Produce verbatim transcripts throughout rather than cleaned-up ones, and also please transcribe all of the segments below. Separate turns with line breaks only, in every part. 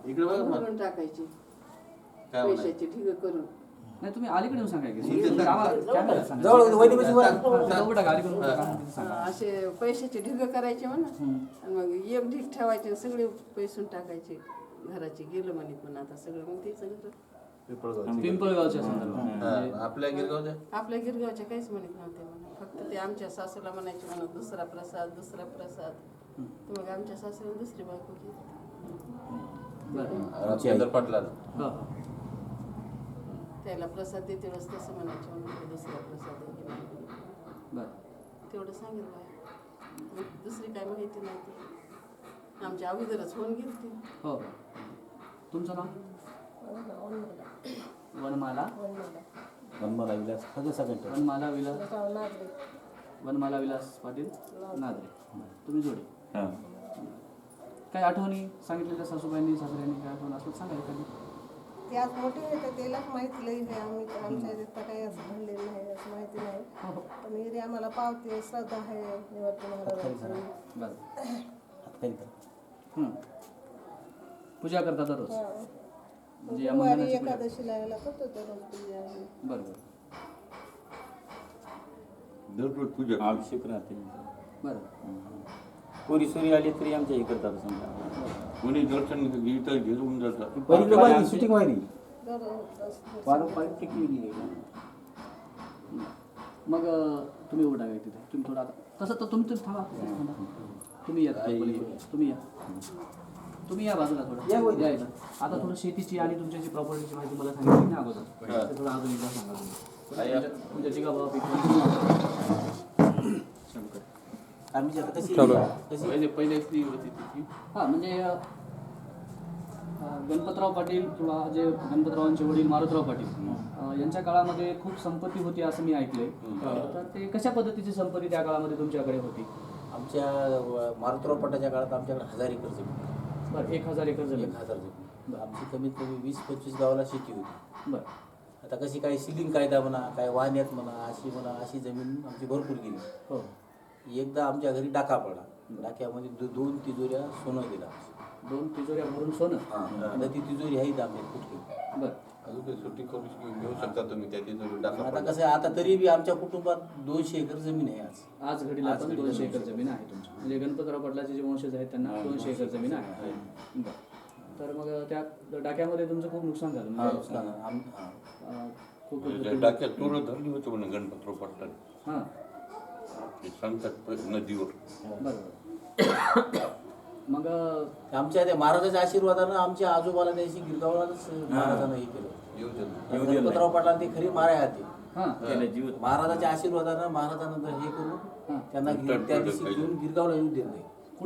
इकडे बघा
भरून टाकायची पैशाची ठीक करून.
नाही तुम्ही अलीकडे येऊन सांगा की आम्हाला कॅमेरा सांगा.
जवळ वहिनी बशी वर.
हा, जवळ टाका, अलीकडे उभं राहा, तिथं सांगा.
असे पैशाचे ढिग करायचे म्हणा आणि मग एक ढीग ठेवायचे आणि सगळे पैसून टाकायचे घराचे. गेलं म्हणे पण आता सगळं मग ते सगळं
पिंपळगावच्या संदर्भात
आपल्या गिरगावच्या
आपल्या गिरगावच्या काहीच म्हणत नव्हते म्हणा. फक्त ते आमच्या सासूला म्हणायचे म्हणा दुसरा प्रसाद दुसरा प्रसाद. तर मग आमच्या सासूला दुसरी बायको केली.
राजेंद्र पाटला
हा.
त्याला प्रसाद देते वेळेस तसं म्हणायचे म्हणून दुसरा प्रसाद आहे की
बरं.
तेवढं सांगितलं. मग दुसरी काय माहिती नव्हती. आमच्या अगोदरच होऊन गेली.
हो. तुमचं नाव? वनमाला
वनमाला विलास सगळं सगळं
वनमाला विलास वनमाला विलास पाटील नादरे. तुम्ही जोडे.
हां.
काय आठवणी सांगितलेल्या सासूबाईंनी सासऱ्यांनी काय आठवण असं सांगा एखादी.
ते आज मोठे होते त्यालाच माहिती लई आहे. आम्ही आमच्या ह्याच्यात काही असं घडलेलं नाही असं माहिती नाही. पण एरी आम्हाला पावते श्रद्धा आहे निवृत्ती महाराजांची.
हं. पूजा करता दररोज म्हणजे
गुरुवारी एकादशीला यायला करतो ते रोज पूजा.
बरोबर
दररोज पूजा
आवश्यक राहते.
बरं.
कोरी सोरी आली तरी आमच्या हे करतात समजा.
कोणी दर्शन इथं घेऊन जातात.
पहिली व्हायली शूटिंग व्हायली
दररोज
पारंपरिक टेक्निक.
मग अं, तुम्ही उभं टाका तिथे तुम्ही थोडं आता तसं तर तुम्ही थांबा थांबा. तुम्ही या तुम्ही या तुम्ही या बाजूला थोडं या इथं. आता थोडं शेतीची आणि तुमच्याची प्रॉपर्टीची माहिती मला सांगितली ना अगोदर ते थोडं अजून एकदा सांगा तुम्ही. तुमच्या जिगा बाबा
आम्ही आता कशी कशी
पहिले पहिले स्त्री होती तिची.
हां म्हणजे अं, गणपतराव पाटील किंवा जे गणपतरावांचे वडील मारुतराव पाटील अं, यांच्या काळामध्ये खूप संपत्ती होती असं मी ऐकलंय. तर ते कशा पद्धतीची संपत्ती त्या काळामध्ये तुमच्याकडे होती?
आमच्या मारुतराव पटाच्या काळात आमच्याकडे हजार एकर जमीन.
बरं एक हजार एकर जमीन.
एक हजार जमीन. आमची कमीत कमी वीस पंचवीस गावाला शेती होती.
बरं.
आता कशी काही सिलिंग कायदा म्हणा काय वाहण्यात म्हणा अशी म्हणा अशी जमीन आमची भरपूर गेली.
हो.
एकदा आमच्या घरी डाका पडला. डाक्यामध्ये दो दोन तिजोऱ्या सोनं गेला.
दोन तिजोऱ्या भरून सोनं.
आता ती तिजोरी आहे आम्ही कुठली.
बरं.
अजून काही सुट्टी करू घेऊ शकता तुम्ही त्या तिथून टाका.
आता कसं आहे आता तरी बी आमच्या कुटुंबात दोनशे एकर जमीन आहे आज.
आज घडीला पण दोनशे एकर जमीन आहे तुमची म्हणजे गणपतराव पाटलाचे जे वंशज आहेत त्यांना दोनशे एकर जमीन आहे. बरं. तर मग त्या डाक्यामध्ये तुमचं खूप नुकसान झालं
हा,
म्हणजे
नुकसान आहे. आम- हा.
अं, खूप
त्या डाक्यात चोर धरली होती म्हणून गणपतराव पाटलांनी.
हां.
ते सांगतात नदीवर.
बरोबर. मग अं,
आमच्या त्या महाराजाच्या आशीर्वादानं आमच्या आजोबाला त्याशी गिरगावलाच महाराजानं हे केलं. गणपतराव पाटला ते खरी माराय आधी.
हां.
महाराजाच्या आशीर्वादानं महाराजानं जर हे करून त्यांना गिर- त्या दिवशी घेऊन गिरगावला येऊ दिलं नाही.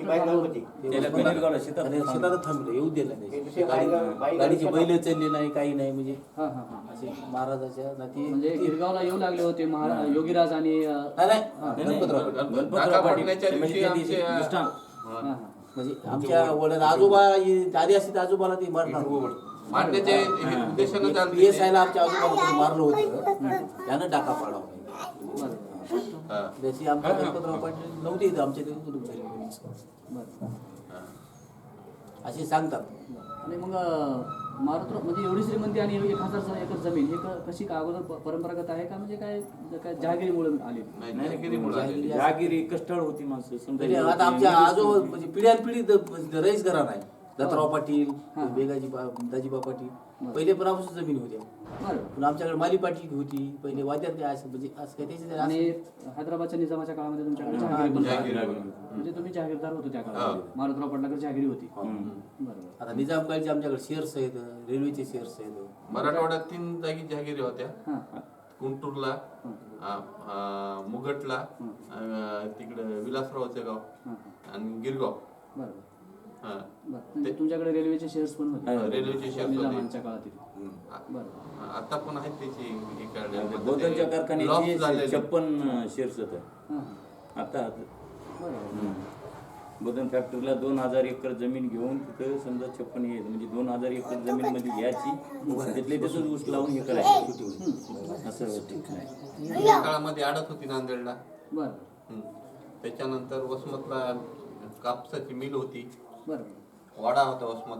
शेतात थांबलं येऊ दिलं नाही. गाडी- गाडीची बैल चालली नाही काही नाही म्हणजे
हां हां हां
असे महाराजाच्या नाती
म्हणजे गिरगावला येऊ लागले होते महारा योगीराज आणि अं,
नाही नाही गणपतराव पाटील.
टाका पडण्याच्या दिवशी आमचे
हां हां
म्हणजे आमच्या वडील आजोबा हे आधी असते तर आजोबाला ते मारणार.
मारण्याचे हे उद्देशानं चालते
पी एस आयला आमच्या आजोबाला कोणी मारलं होतं त्यानं डाका पाडावा.
हा.
जशी आमच्या गणपतराव पाटील नव्हते इथं आमच्या तिथे कुटुंब झाली.
बरं.
असे सांगतात.
आणि मग अं, मारुतराव म्हणजे एवढी श्रीमंती आणि एक हजार एकर जमीन हे क- कशी का अगोदर प- परंपरागत आहे का म्हणजे काय काय जहागिरीमुळे आली?
नाही जहागिरीमुळे आलेली.
जहागिरी
कष्टाळ होती माणसं
म्हणजे आता आमच्या आजोबा म्हणजे पिढ्यान पिढी द- रईस घरा नाही. दत्तराव पाटील बेगाजी दाजीबा पाटील पहिले पणापासून जमीन होत्या.
बरं.
पण आमच्याकडे माली पाटील होती पहिले वाद्यात काय असं म्हणजे असं काय त्याचे
आणि हैदराबादच्या निजामाच्या काळामध्ये तुमच्याकडे जहागिरी पण होती. म्हणजे तुम्ही जहागीरदार होते त्या काळामध्ये. मारुतराव पाटलाकडे जहागिरी होती. बरोबर.
आता निजाम काळचे आमच्याकडे शेअर्स आहेत रेल्वेचे शेअर्स आहेत.
मराठवाड्यात तीन जागी जहागिरी होत्या.
हां.
गुंटूरला आ, आ, मुगटला आ, तिकडे विलासरावचं गाव
हां.
आणि गिरगाव.
बरोबर.
हा.
बरं. म्हणजे तुमच्याकडे रेल्वेचे शेअर्स पण होते
रेल्वेचे शेअर्स होते.
निजामांच्या काळातील. बरोबर.
आता पण आहेत त्याची हे काढले.
बौद्धांच्या
लॉस
कारखान्याची
झालेले.
छप्पन शेअर्स होतं.
हां.
आता
बरोबर.
बौद्धन फॅक्टरीला दोन हजार एकर जमीन घेऊन तिथं समजा छप्पन हे म्हणजे दोन हजार एकर जमीन मध्ये घ्यायची त्यातले तसंच ऊस लावून हे करायचं असं होतं.
त्या काळामध्ये आडत होती नांदेडला.
बरं.
हम्म. त्याच्यानंतर वसमतला कापसाची मिल होती.
बरोबर.
वाडा होता वसमतला.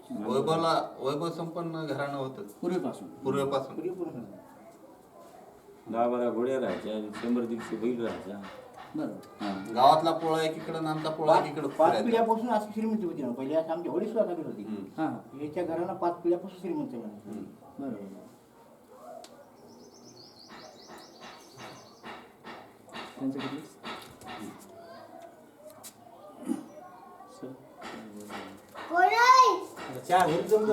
वैभवला वैभव संपन्न घराणं होतं
पूर्वीपासून.
पूर्वीपासून.
दहा बारा घोड्या राहायच्या शंभर दीडशे बैल राहायच्या.
बरोबर.
हा.
गावातला पोळा एकीकडे आणि आमचा पोळा एकीकडे
पाच
फिरायचा.
पिढ्यापासून अशी श्रीमंती होती ना पहिले असं आमची वडील सुद्धा करत होती
हम्म.
हां
याच्या घराला पाच पिढ्यापासून श्रीमंत म्हणा
हम्म.
बरोबर. त्यांचं किती? सर
चहा घरी जमलं